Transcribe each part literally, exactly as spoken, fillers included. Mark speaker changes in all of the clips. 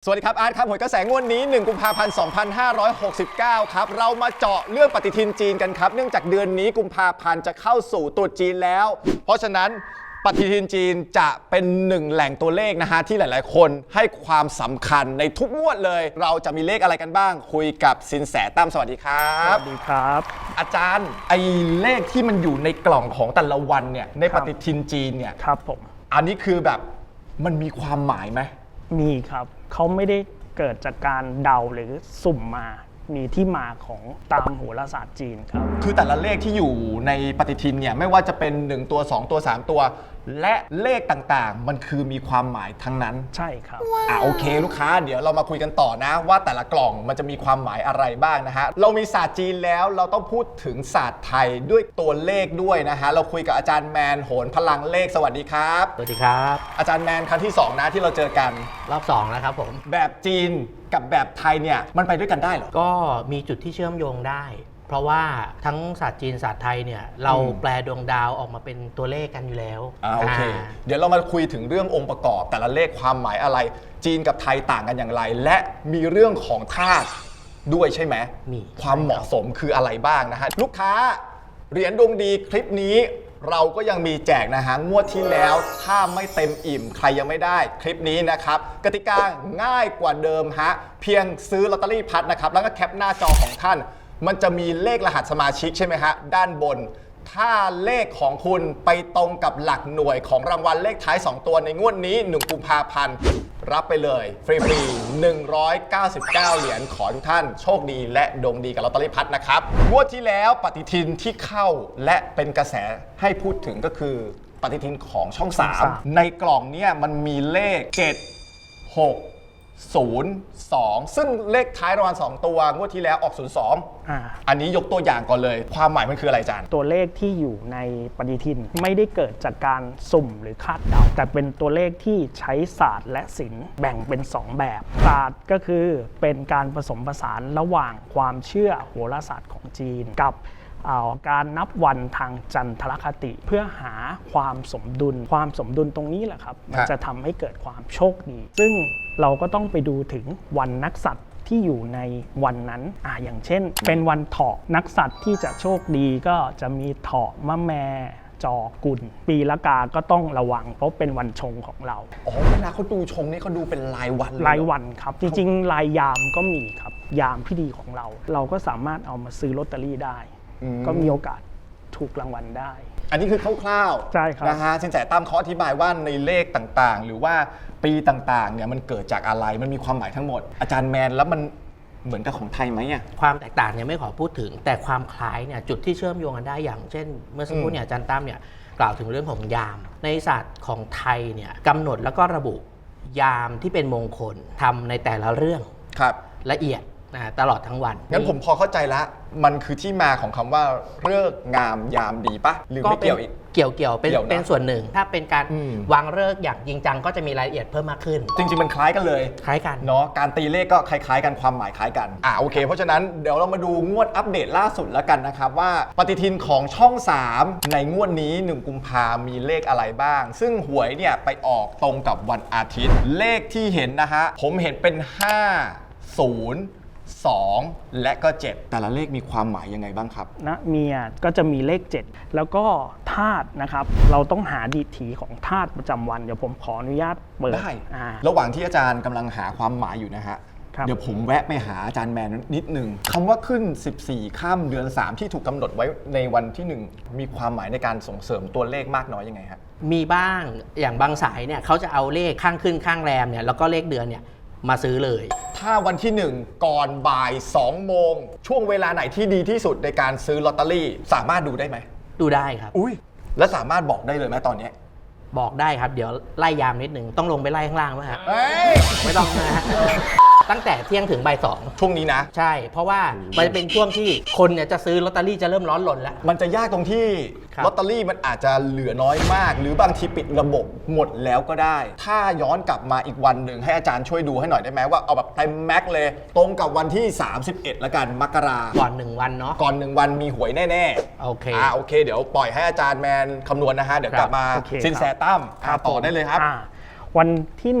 Speaker 1: สวัสดีครับอาร์ตครับหวยกระแสงวดนี้หนึ่งกุมภาพันธ์สองพันห้าร้อยหกสิบเก้าครับเรามาเจาะเรื่องปฏิทินจีนกันครับเนื่องจากเดือนนี้กุมภาพันธ์จะเข้าสู่ตรุษจีนแล้วเพราะฉะนั้นปฏิทินจีนจะเป็นหนึ่งแหล่งตัวเลขนะฮะที่หลายๆคนให้ความสำคัญในทุกงวดเลยเราจะมีเลขอะไรกันบ้างคุยกับสินแสตั้มสวัสดีครับ
Speaker 2: สวัสดีครับ
Speaker 1: อาจารย์ไอ้เลขที่มันอยู่ในกล่องของแต่ละวันเนี่ยในปฏิทินจีนเนี่ย
Speaker 2: ครับผม
Speaker 1: อันนี้คือแบบมันมีความหมายไหม
Speaker 2: มีครับเขาไม่ได้เกิดจากการเดาหรือสุ่มมามีที่มาของตามโหราศาสตร์จีนครับ
Speaker 1: คือแต่ละเลขที่อยู่ในปฏิทินเนี่ยไม่ว่าจะเป็นหนึ่งตัวสองตัวสามตัวและเลขต่างๆมันคือมีความหมายทั้งนั้น
Speaker 2: ใช่ครับ
Speaker 1: อ่ะโอเคลูกค้าเดี๋ยวเรามาคุยกันต่อนะว่าแต่ละกล่องมันจะมีความหมายอะไรบ้างนะฮะเรามีศาสตร์จีนแล้วเราต้องพูดถึงศาสตร์ไทยด้วยตัวเลขด้วยนะฮะเราคุยกับอาจารย์แมนโหนพลังเลขสวัสดีครับ
Speaker 3: สวัสดีครับ
Speaker 1: อาจารย์แมนครั้งที่สองนะที่เราเจอกัน
Speaker 3: รอบสองแล้วครับผม
Speaker 1: แบบจีนกับแบบไทยเนี่ยมันไปด้วยกันได้เหรอ
Speaker 3: ก็มีจุดที่เชื่อมโยงได้เพราะว่าทั้งศาสตร์จีนศาสตร์ไทยเนี่ยเราแปลดวงดาวออกมาเป็นตัวเลขกันอยู่แล้ว
Speaker 1: อ่าโอเคเดี๋ยวเรามาคุยถึงเรื่ององค์ประกอบแต่ละเลขความหมายอะไรจีนกับไทยต่างกันอย่างไรและมีเรื่องของธาตุด้วยใช่ไหม
Speaker 3: มี
Speaker 1: ความเหมาะสมคืออะไรบ้างนะฮะลูกค้าเหรียญดวงดีคลิปนี้เราก็ยังมีแจกนะฮะงวดที่แล้วถ้าไม่เต็มอิ่มใครยังไม่ได้คลิปนี้นะครับกติกาง่ายกว่าเดิมฮะเพียงซื้อลอตเตอรี่พัดนะครับแล้วก็แคปหน้าจอของท่านมันจะมีเลขรหัสสมาชิกใช่ไหมฮะด้านบนถ้าเลขของคุณไปตรงกับหลักหน่วยของรางวัลเลขท้ายสองตัวในงวดนี้หนึ่งกุมภาพันธ์รับไปเลยฟรีๆหนึ่งร้อยเก้าสิบเก้าเหรียญขอทุกท่านโชคดีและดวงดีกับลอตเตอรี่พัดนะครับงวดที่แล้วปฏิทินที่เข้าและเป็นกระแสให้พูดถึงก็คือปฏิทินของช่องสามในกล่องเนี้ยมันมีเลขเจ็ด หก ศูนย์ สองซึ่งเลขท้ายรางวัลสองตัวงวดที่แล้วออกศูนย์ สองอ่าอันนี้ยกตัวอย่างก่อนเลยความหมายมันคืออะไรอาจารย์
Speaker 2: ตัวเลขที่อยู่ในปฏิทินไม่ได้เกิดจากการสุ่มหรือคาดเดาแต่เป็นตัวเลขที่ใช้ศาสตร์และศิลป์แบ่งเป็นสองแบบศาสตร์ก็คือเป็นการผสมผสานระหว่างความเชื่อโหราศาสตร์ของจีนกับการนับวันทางจันทรคติเพื่อหาความสมดุลความสมดุลตรงนี้แหละครับมันจะทำให้เกิดความโชคดีซึ่งเราก็ต้องไปดูถึงวันนักษัตริย์ที่อยู่ในวันนั้นอ่าอย่างเช่นเป็นวันเถาะนักษัตริย์ที่จะโชคดีก็จะมีเถาะมะแมจอกุลปีละกาก็ต้องระวังเพราะเป็นวันชงของเรา
Speaker 1: อ๋อเวลาเขาดูชงนี่เขาดูเป็นรายวัน
Speaker 2: รายวันครับจริงๆรายยามก็มีครับยามที่ดีของเราเราก็สามารถเอามาซื้อลอตเตอรี่ได้ก็มีโอกาสถูกรางวัลได้
Speaker 1: อันนี้คือคร่าว
Speaker 2: ๆใช่ครับ
Speaker 1: นะฮะสินแสตั้มเขาอธิบายว่าในเลขต่างๆหรือว่าปีต่างๆเนี่ยมันเกิดจากอะไรมันมีความหมายทั้งหมดอาจารย์แมนแล้วมันเหมือนกับของไทยไหมอ่ะ
Speaker 3: ความแตกต่างเนี่ยไม่ขอพูดถึงแต่ความคล้ายเนี่ยจุดที่เชื่อมโยงกันได้อย่างเช่นเมื่อสักครู่เนี่ยอาจารย์ตั้มเนี่ยกล่าวถึงเรื่องของยามในศาสตร์ของไทยเนี่ยกำหนดแล้วก็ระบุยามที่เป็นมงคลทำในแต่ละเรื่อง
Speaker 1: ครับ
Speaker 3: ละเอียดนะตลอดทั้งวัน
Speaker 1: งั้นผมพอเข้าใจละมันคือที่มาของคำว่าฤกษ์งามยามดีปะหรือไม่เกี่ยวอีก
Speaker 3: เกี่ยวเกี่ยวเป็นเป็นส่วนหนึ่งถ้าเป็นการวางฤกษ์อย่างจริงจังก็จะมีรายละเอียดเพิ่มมากขึ้น
Speaker 1: จริงๆมันคล้ายกันเลย
Speaker 3: คล้ายกัน
Speaker 1: เนาะการตีเลขก็คล้ายๆกันความหมายคล้ายกันอ่าโอเคเพราะฉะนั้นเดี๋ยวเรามาดูงวดอัปเดตล่าสุดแล้วกันนะครับว่าปฏิทินของช่องสามในงวดนี้หนึ่งกุมภามีเลขอะไรบ้างซึ่งหวยเนี่ยไปออกตรงกับวันอาทิตย์เลขที่เห็นนะฮะผมเห็นเป็นห้า ศูนย์ สองและก็เจ็ดแต่ละเลขมีความหมายยังไงบ้างครับ
Speaker 2: นะเมียก็จะมีเลขเจ็ดแล้วก็ธาตุนะครับเราต้องหาดีถีของธาตุประจำวันเดี๋ยวผมขออนุญาตเปิด
Speaker 1: ได้ระหว่างที่อาจารย์กำลังหาความหมายอยู่นะฮะเดี๋ยวผมแวะไปหาอาจารย์แมนนิดนึงคำว่าขึ้นสิบสี่ค่ำเดือนสามที่ถูกกำหนดไว้ในวันที่หนึ่งมีความหมายในการส่งเสริมตัวเลขมากน้อยยังไงฮะ
Speaker 3: มีบ้างอย่างบางสายเนี่ยเขาจะเอาเลขข้างขึ้นข้างแรมเนี่ยแล้วก็เลขเดือนเนี่ยมาซื้อเลย
Speaker 1: ถ้าวันที่หนึ่งก่อนบ่ายสองโมงช่วงเวลาไหนที่ดีที่สุดในการซื้อลอตเตอรี่สามารถดูได้ไหม
Speaker 3: ดูได้ครับ
Speaker 1: อุ้ยแล้วสามารถบอกได้เลยไหมตอนนี้
Speaker 3: บอกได้ครับเดี๋ยวไล่ยามนิดหนึ่งต้องลงไปไล่ข้างล่างไหมฮะ
Speaker 1: ไ
Speaker 3: ม่ต้องนะฮะตั้งแต่เที่ยงถึงบ่ายสอง
Speaker 1: ช่วงนี้นะ
Speaker 3: ใช่เพราะว่ามันจะเป็นช่วงที่คนเนี่ยจะซื้อลอตเตอรี่จะเริ่มร้อนรนแล้ว
Speaker 1: มันจะยากตรงที่ลอตเตอรี่มันอาจจะเหลือน้อยมากหรือบางทีปิดระบบหมดแล้วก็ได้ถ้าย้อนกลับมาอีกวันหนึ่งให้อาจารย์ช่วยดูให้หน่อยได้ไหมว่าเอาแบบเต็มแม็กเลยตรงกับวันที่สามสิบเอ็ดละกันมกรา
Speaker 3: ก่อนหนึ่งวันเนาะ
Speaker 1: ก่อนหนึ่งวันมีหวยแน่
Speaker 3: ๆโอเค
Speaker 1: อ่าโอเคเดี๋ยวปล่อยให้อาจารย์แมนคำนวณนะฮะเดี๋ยวกลับมาสินแสตั้มต่อได้เลยครับ
Speaker 2: วันที่หนึ่ง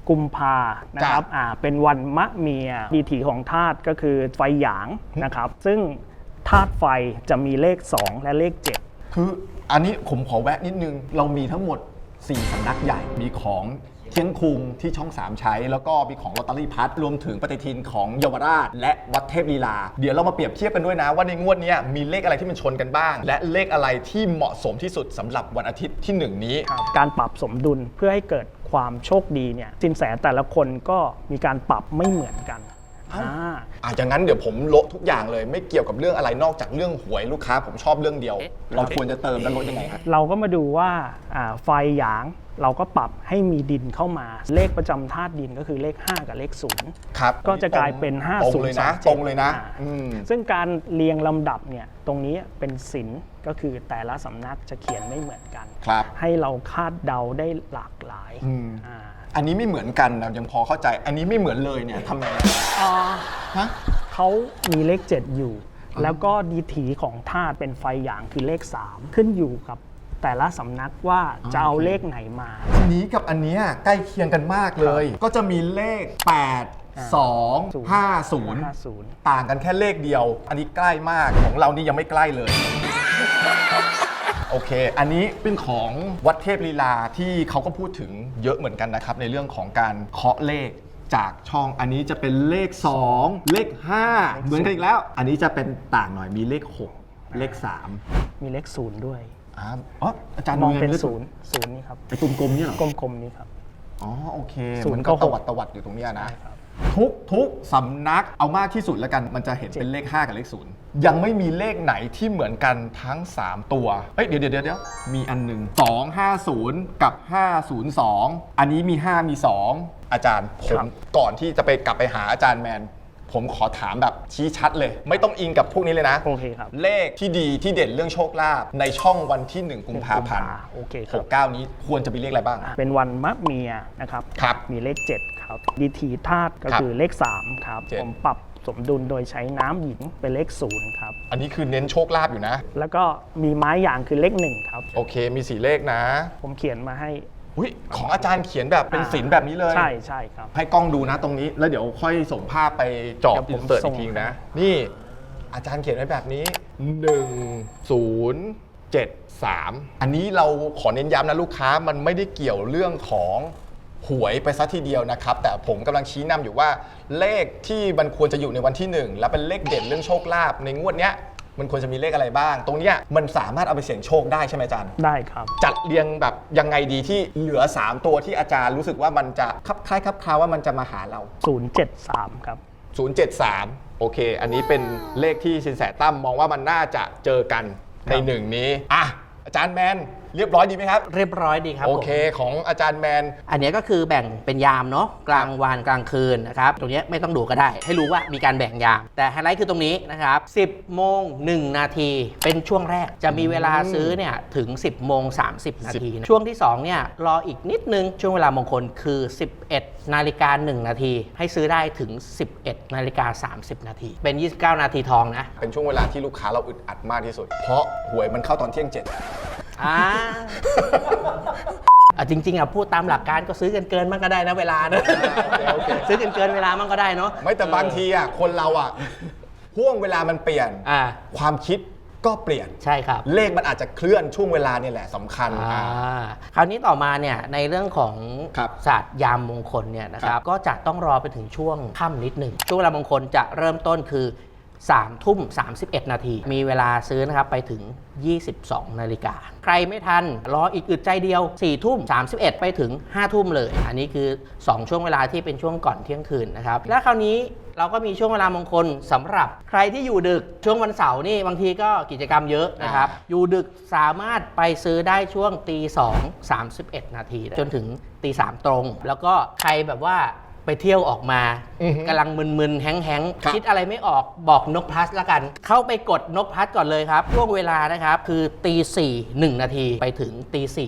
Speaker 2: กุมภานะครับอ่าเป็นวันมะเมียดีถีของธาตุก็คือไฟหยางนะครับซึ่งธาตุไฟจะมีเลขสองและเลขเจ็ด
Speaker 1: คืออันนี้ผมขอแวะนิดนึง เรามีทั้งหมดสี่สำนักใหญ่มีของเที่ยงคุงที่ช่องสามใช้ แล้วก็มีของลอตเตอรี่พัดรวมถึงปฏิทินของเยาวราช และวัดเทพลีลา เดี๋ยวเรามาเปรียบเทียบกันด้วยนะว่าในงวดนี้มีเลขอะไรที่มันชนกันบ้าง และเลขอะไรที่เหมาะสมที่สุดสำหรับวันอาทิตย์ที่หนึ่งนี้
Speaker 2: การปรับสมดุลเพื่อให้เกิดความโชคดีเนี่ยสินแสแต่ละคนก็มีการปรับไม่เหมือนกัน
Speaker 1: อ่าอ่ะอย่างนั้นเดี๋ยวผมโละทุกอย่างเลยไม่เกี่ยวกับเรื่องอะไรนอกจากเรื่องหวยลูกค้าผมชอบเรื่องเดียว เราควรจะเติมและลดยังไงครับ
Speaker 2: เราก็มาดูว่าอ่าไฟหยางเราก็ปรับให้มีดินเข้ามา เลขประจำธาตุดินก็คือเลขห้ากับเลขศูนย์
Speaker 1: ครับ
Speaker 2: ก็จะกลายเป็นห้า
Speaker 1: ตรง
Speaker 2: ศูน
Speaker 1: เลย
Speaker 2: ย์สอ
Speaker 1: นะ
Speaker 2: ง
Speaker 1: ต
Speaker 2: เจ็
Speaker 1: ร
Speaker 2: ด
Speaker 1: งเลยนะ
Speaker 2: อ่า
Speaker 1: อืม
Speaker 2: ซึ่งการเรียงลำดับเนี่ยตรงนี้เป็นศิลป์ก็คือแต่ละสำนักจะเขียนไม่เหมือนกัน
Speaker 1: ครับ
Speaker 2: ให้เราคาดเดาได้หลากหลาย
Speaker 1: อืม
Speaker 2: อ่า
Speaker 1: อันนี้ไม่เหมือนกันนะยังพอเข้าใจ อันนี้ไม่เหมือนเลยเนี่ยทำไงฮะ
Speaker 2: เขามีเลขเจ็ดอยู่ แล้วก็ดีถีของธาตุเป็นไฟหยางคือเลขสามขึ้นอยู่กับแต่ละสำนักว่าจะเอาเลขไหนมา
Speaker 1: อันนี้กับอันเนี้ยใกล้เคียงกันมากเลย ก็จะมีเลข แปด สอง ห้า ศูนย์
Speaker 2: ห้าศูนย์
Speaker 1: ต่างกันแค่เลขเดียว อันนี้ใกล้มากของเรานี่ยังไม่ใกล้เลย โอเค อันนี้เป็นของวัดเทพลีลาที่เขาก็พูดถึงเยอะเหมือนกันนะครับในเรื่องของการเคาะเลขจากช่อง อันนี้จะเป็นเลข สอง เลข ห้า เหมือนกันอีกแล้ว อันนี้จะเป็นต่างหน่อยมีเลข หก เลข สาม
Speaker 2: มีเลขศูนย์ด้วย
Speaker 1: อ่าอ๋ออาจารย์
Speaker 2: มองเป็น
Speaker 1: ลข
Speaker 2: ศูนย์ศูนย์นี่ครับ
Speaker 1: ไอ้กลมๆเนี่ยเหรอ
Speaker 2: กลมๆนี้ครับ
Speaker 1: อ๋อโอเค
Speaker 2: ศูนย์
Speaker 1: มันก็
Speaker 2: ก็
Speaker 1: ต
Speaker 2: หก
Speaker 1: วัดตวัดอยู่ตรงเนี้ยนะ
Speaker 2: ใช่ครับ
Speaker 1: ทุกทุกสำนักเอามากที่สุดแล้วกัน มันจะเห็นเป็นเลข ห้า กับเลข ศูนย์ ยังไม่มีเลขไหนที่เหมือนกันทั้ง สาม ตัวเอ้ยเดี๋ยวเดี๋ยวเดี๋ยวมีอันหนึ่งสอง ห้า ศูนย์ กับ ห้า ศูนย์ สอง อันนี้มี ห้า มี สอง อาจารย์ผมก่อนที่จะไปกลับไปหาอาจารย์แมน ผมขอถามแบบชี้ชัดเลย ไม่ต้องอิงกับพวกนี้เลยนะ
Speaker 2: โอเคครับ
Speaker 1: เลขที่ดีที่เด่นเรื่องโชคลาภในช่องวันที่หนึ่งกุมภาพันธ์
Speaker 2: โอเคค
Speaker 1: ห
Speaker 2: รับ
Speaker 1: กเก้านี้ควรจะมีเลขอะไรบ้าง
Speaker 2: เป็นวันมะเมียนะครับ
Speaker 1: ครับ
Speaker 2: มีเลขเจ็ดครับดีถีธาตุก็
Speaker 1: ครับ
Speaker 2: คือเลขสามครับ
Speaker 1: เจ็ด
Speaker 2: ผมปรับสมดุลโดยใช้น้ำหญิงเป็นเลขศูนย์ครับ
Speaker 1: อันนี้คือเน้นโชคลาภอยู่นะ
Speaker 2: แล้วก็มีไม้หยางคือเลขหนึ่งครับ
Speaker 1: โอเคมีสี่เลขนะ
Speaker 2: ผมเขียนมาให้
Speaker 1: อุ๊ยของอาจารย์เขียนแบบเป็นศิลป์แบบนี้เลย
Speaker 2: ใช่ใช่ครับ
Speaker 1: ให้กล้องดูนะตรงนี้ แล้วเดี๋ยวค่อยส่งภาพไปจอบ
Speaker 2: เดี๋
Speaker 1: อิ
Speaker 2: ยวน ผม
Speaker 1: เสิร์ต
Speaker 2: ส่
Speaker 1: อี
Speaker 2: ง
Speaker 1: กทีนะ นี่อาจารย์เขียนไว้แบบนี้หนึ่ง ศูนย์ เจ็ด สาม อันนี้เราขอเน้นย้ำนะลูกค้ามันไม่ได้เกี่ยวเรื่องของหวยไปซะทีเดียวนะครับ แต่ผมกำลังชี้นำอยู่ว่าเลขที่มันควรจะอยู่ในวันที่หนึ่งและเป็นเลขเด่นเรื่องโชคลาภในงวดเนี้ยมันควรจะมีเลขอะไรบ้าง ตรงเนี้ยมันสามารถเอาไปเสี่ยงโชคได้ใช่ไหมอาจารย์
Speaker 2: ได้ครับ
Speaker 1: จัดเรียงแบบยังไงดีที่เหลือ สาม ตัวที่อาจารย์รู้สึกว่ามันจะคับคล้ายคับคลาว่ามันจะมาหาเรา
Speaker 2: ศูนย์เจ็ดสามครับ
Speaker 1: ศูนย์ เจ็ด สาม โอเค อันนี้เป็นเลขที่สินแสตั้มมองว่ามันน่าจะเจอกันในหนึ่งนี้อ่ะอาจารย์แมนเรียบร้อยดีไหมครับ
Speaker 3: เรียบร้อยดีครับ
Speaker 1: โอ
Speaker 3: ผม
Speaker 1: เคของอาจารย์แมน
Speaker 3: อันนี้ก็คือแบ่งเป็นยามเนาะกลางวันกลางคืนนะครับ ตรงนี้ไม่ต้องดูก็ได้ ให้รู้ว่ามีการแบ่งยาม แต่ไฮไลท์คือตรงนี้นะครับ สิบโมงหนึ่งนาทีเป็นช่วงแรกจะมีเวลาซื้อเนี่ยถึง สิบโมงสามสิบนาทีนะช่วงที่สองเนี่ยรออีกนิดนึงช่วงเวลามงคลคือ สิบเอ็ดนาฬิกาหนึ่งนาทีให้ซื้อได้ถึง สิบเอ็ดนาฬิกาสามสิบนาทีเป็น ยี่สิบเก้านาทีทองนะ
Speaker 1: เป็นช่วงเวลาที่ลูกค้าเราอึดอัดมากที่สุด เพราะหวยมันเข้าตอนเที่ยงเจ็ด
Speaker 3: อ่า อ่ะจริงๆอ่ะพูดตามหลักการก็ซื้อกันเกินมันก็ได้นะเวลานะ
Speaker 1: โอเคโอเค
Speaker 3: ซื้อกันเกินเวลามันก็ได้เนาะ
Speaker 1: ไม่แต่บางทีอ่ะคนเราอ่ะห่วงเวลามันเปลี่ยน
Speaker 3: อ่า
Speaker 1: ความคิดก็เปลี่ยน
Speaker 3: ใช่ครับ
Speaker 1: เลขมันอาจจะเคลื่อนช่วงเวลาเนี่ยแหละสำคัญ
Speaker 3: อ่า
Speaker 1: อ่า
Speaker 3: คราวนี้ต่อมาเนี่ยในเรื่องของ
Speaker 1: ครับ
Speaker 3: ศาสตร์ยามมงคลเนี่ยนะค
Speaker 1: ครั
Speaker 3: รับบ ก็จะต้องรอไปถึงช่วงค่ำนิดหนึ่งช่วงเวลามงคลจะเริ่มต้นคือสามทุ่มสามสิบเอ็ดนาทีมีเวลาซื้อนะครับไปถึงยี่สิบสองนาฬิกาใครไม่ทันรออีกอึดใจเดียวสี่ทุ่มสามสิบเอ็ดไปถึงห้าทุ่มเลย อันนี้คือสองช่วงเวลาที่เป็นช่วงก่อนเที่ยงคืนนะครับและคราวนี้เราก็มีช่วงเวลามงคลสำหรับใครที่อยู่ดึกช่วงวันเสาร์นี่บางทีก็กิจกรรมเยอะนะครับอยู่ดึกสามารถไปซื้อได้ช่วงตีสองสามสิบเอ็ดนาทีจนถึงตีสามตรง แล้วก็ใครแบบว่าไปเที่ยวออกมา
Speaker 1: อือฮึ
Speaker 3: กำลังมึนๆแฮง
Speaker 1: ครับ
Speaker 3: ๆคิดอะไรไม่ออกบอกนกพลัสละกัน เข้าไปกดนกพลัสก่อนเลยครับช่วงเวลานะครับคือตีสี่หนึ่งนาทีไปถึงตีสี่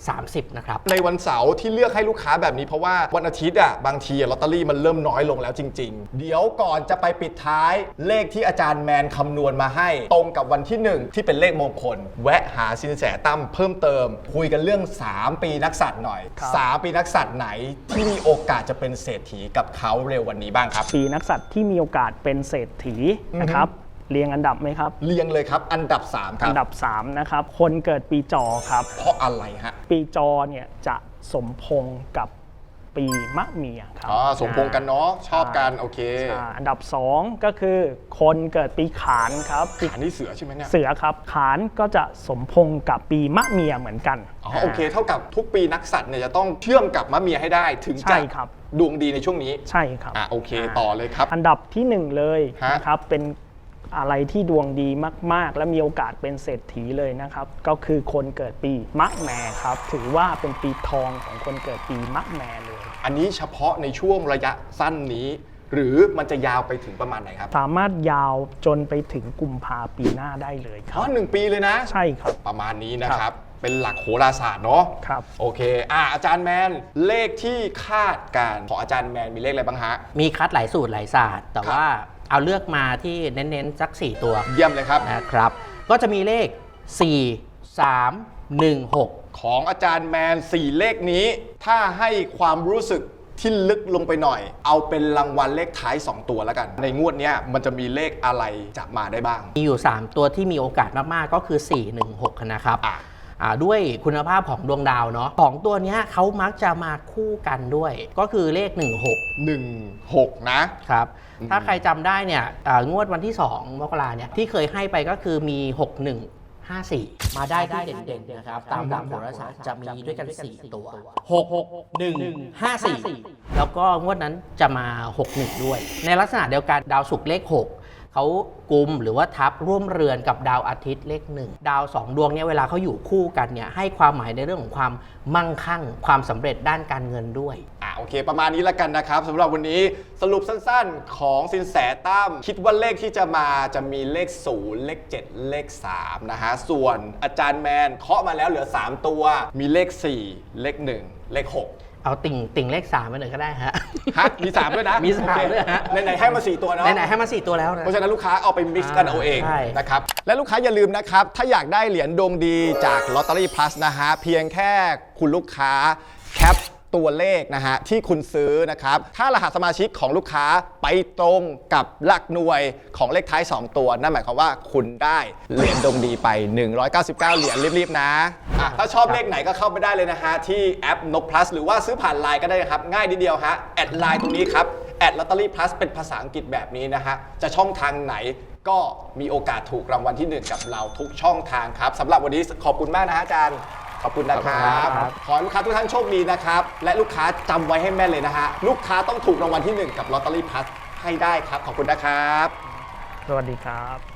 Speaker 3: สามสิบนะครับ
Speaker 1: ในวันเสาร์ที่เลือกให้ลูกค้าแบบนี้เพราะว่าวันอาทิตย์อ่ะบางทีลอตเตอรี่มันเริ่มน้อยลงแล้วจริงๆ เดี๋ยวก่อนจะไปปิดท้ายเลขที่อาจารย์แมนคำนวณมาให้ตรงกับวันที่หนึ่งที่เป็นเลขมงคลแวะหาสินแสตั้มเพิ่มเติมคุยกันเรื่องสามปีนักษัตริย์หน่อย
Speaker 2: ครับ
Speaker 1: สามปีนักษัตริย์ไหนที่มีโอกาสจะเป็นเศรษฐีกับเขาเร็ววันนี้บ้างครับ
Speaker 2: ปีนักษัตริย์ที่มีโอกาสเป็นเศรษฐีนะครับเรียงอันดับไหมครับ
Speaker 1: เรียงเลยครับอันดับสามค
Speaker 2: อั
Speaker 1: รับ
Speaker 2: นดับสามนะครับคนเกิดปีจอครับ
Speaker 1: เพราะอะไรฮะ
Speaker 2: ปีจอเนี่ยจะสมพงษ์กับปีมะเมียครับ
Speaker 1: อ๋อสมพงษ์กันเนาะชอบกันโอเค
Speaker 2: ใช่อันดับสองก็คือคนเกิดปีขานครับปี
Speaker 1: อันนี้เสือใช่ไหมเนี่ย
Speaker 2: เสือครับขานก็จะสมพงษ์กับปีมะเมียเหมือนกัน
Speaker 1: อ๋อโอเค เท่ากับทุกปีนักสัตว์เนี่ยจะต้องเชื่อมกับมะเมียให้ได้ถึง
Speaker 2: ใช่
Speaker 1: จะ
Speaker 2: ครับ
Speaker 1: ดวงดีในช่วงนี้
Speaker 2: ใช่ครับ
Speaker 1: อ่ะโอเคต่อเลยครับ
Speaker 2: อันดับที่หนึ่งเลย
Speaker 1: ฮะ
Speaker 2: นะครับเป็นอะไรที่ดวงดีมากๆ และมีโอกาสเป็นเศรษฐีเลยนะครับ ก็คือคนเกิดปีมะแม่ครับ ถือว่าเป็นปีทองของคนเกิดปีมะแม่เลย
Speaker 1: อันนี้เฉพาะในช่วงระยะสั้นนี้ หรือมันจะยาวไปถึงประมาณไหนครับ
Speaker 2: สามารถยาวจนไปถึงกุมภาปีหน้าได้เลยค
Speaker 1: อ๋
Speaker 2: รั
Speaker 1: อบ หนึ่งปีเลยนะ
Speaker 2: ใช่ครับ
Speaker 1: ประมาณนี้นะครับ เป็นหลักโหราศาสตร์เนาะ
Speaker 2: ครับ
Speaker 1: โอเคอ่ะอาจารย์แมนเลขที่คาดการณ์ของอาจารย์แมนมีเลขอะไรบ้างฮะ
Speaker 3: มีคัดหลายสูตรหลายศาสตร์ แต่
Speaker 1: ครับ
Speaker 3: ว่าเอาเลือกมาที่เน้นๆสักสี่ตัว
Speaker 1: เยี่ยมเลยครับ
Speaker 3: นะครับ ก็จะมีเลข สี่ สาม หนึ่ง หก
Speaker 1: ของอาจารย์แมนสี่เลขนี้ ถ้าให้ความรู้สึกที่ลึกลงไปหน่อย เอาเป็นรางวัลเลขท้ายสองตัวแล้วกัน ในงวดเนี้ยมันจะมีเลขอะไรจะมาได้บ้าง
Speaker 3: มีอยู่ สาม ตัวที่มีโอกาสมาก ๆ ก็คือ สี่ หนึ่ง หก นะครับ
Speaker 1: อ่ะ
Speaker 3: อ่าด้วยคุณภาพของดวงดาวเนาะของตัวเนี้ยเขามักจะมาคู่กันด้วย ก็คือเลข หนึ่ง หก
Speaker 1: หนึ่งหกนะ
Speaker 3: ครับ ถ้าใครจำได้เนี่ยอ่างวดวันที่ สอง มกราเนี่ยที่เคยให้ไปก็คือมี หก หนึ่ง ห้า สี่ มาได้ที่เด่นๆนะครับ ตามหลักโหราศาสตร์จะมีด้วยกัน สี่ ตัว หก หนึ่ง ห้า สี่ แล้วก็งวดนั้นจะมา หก หนึ่ง ด้วย ในลักษณะเดียวกันดาวศุกร์เลข หก เขากุมหรือว่าทับร่วมเรือนกับดาวอาทิตย์เลขหนึ่งดาวสองดวงเนี่ยเวลาเขาอยู่คู่กันเนี่ยให้ความหมายในเรื่องของความมั่งคั่ง ความสำเร็จด้านการเงินด้วย
Speaker 1: อ่ะโอเค ประมาณนี้แล้วกันนะครับสำหรับวันนี้สรุปสั้นๆของสินแสตั้มคิดว่าเลขที่จะมาจะมีเลขศูนย์เลขเจ็ดเลขสามนะฮะส่วนอาจารย์แมนเคาะมาแล้วเหลือสามตัว มีเลขสี่เลขหนึ่งเลขหก
Speaker 3: เอาติ่งติ่งเลขสามไปหน่อยก็ได้ฮะ
Speaker 1: ฮะมีสามด้วยนะ
Speaker 3: มีสาม
Speaker 1: โอเค
Speaker 3: ด้วยฮะ
Speaker 1: ไหนๆให้มาสี่ตัวเนาะ
Speaker 3: ไหนๆให้มาสี่ตัวแล้วนะ
Speaker 1: เพราะฉะนั้นลูกค้าเอาไปมิกซ์กันเอาเอง
Speaker 3: ใช่
Speaker 1: นะครับ และลูกค้าอย่าลืมนะครับ ถ้าอยากได้เหรียญดวงดีจาก Lottery Plus นะฮะ เพียงแค่คุณลูกค้าแคปตัวเลขนะฮะที่คุณซื้อนะครับ ถ้ารหัสสมาชิกของลูกค้าไปตรงกับหลักหน่วยของเลขท้าย สอง ตัว นั่นหมายความว่าคุณได้เหรียญดวงดีไป หนึ่งร้อยเก้าสิบเก้า เหรียญรีบๆนะอ่ะถ้าชอบเลขไหนก็เข้าไปได้เลยนะฮะที่แอป นก plus หรือว่าซื้อผ่านไลน์ก็ได้นะครับง่ายนิดเดียวฮะแอดไลน์ตรงนี้ครับแอด Lottery Plus เป็นภาษาอังกฤษแบบนี้นะฮะจะช่องทางไหนก็มีโอกาสถูกรางวัลที่หนึ่งกับเราทุกช่องทางครับสำหรับวันนี้ขอบคุณมากนะฮะอาจารย์ขอบคุณนะครับ
Speaker 3: ครับ
Speaker 1: ขอให้ลูกค้าทุกท่านโชคดีนะครับและลูกค้าจำไว้ให้แม่นเลยนะฮะลูกค้าต้องถูกรางวัลที่หนึ่งกับ Lottery Plus ให้ได้ครับขอบคุณนะครับ
Speaker 2: สวัสดีครับ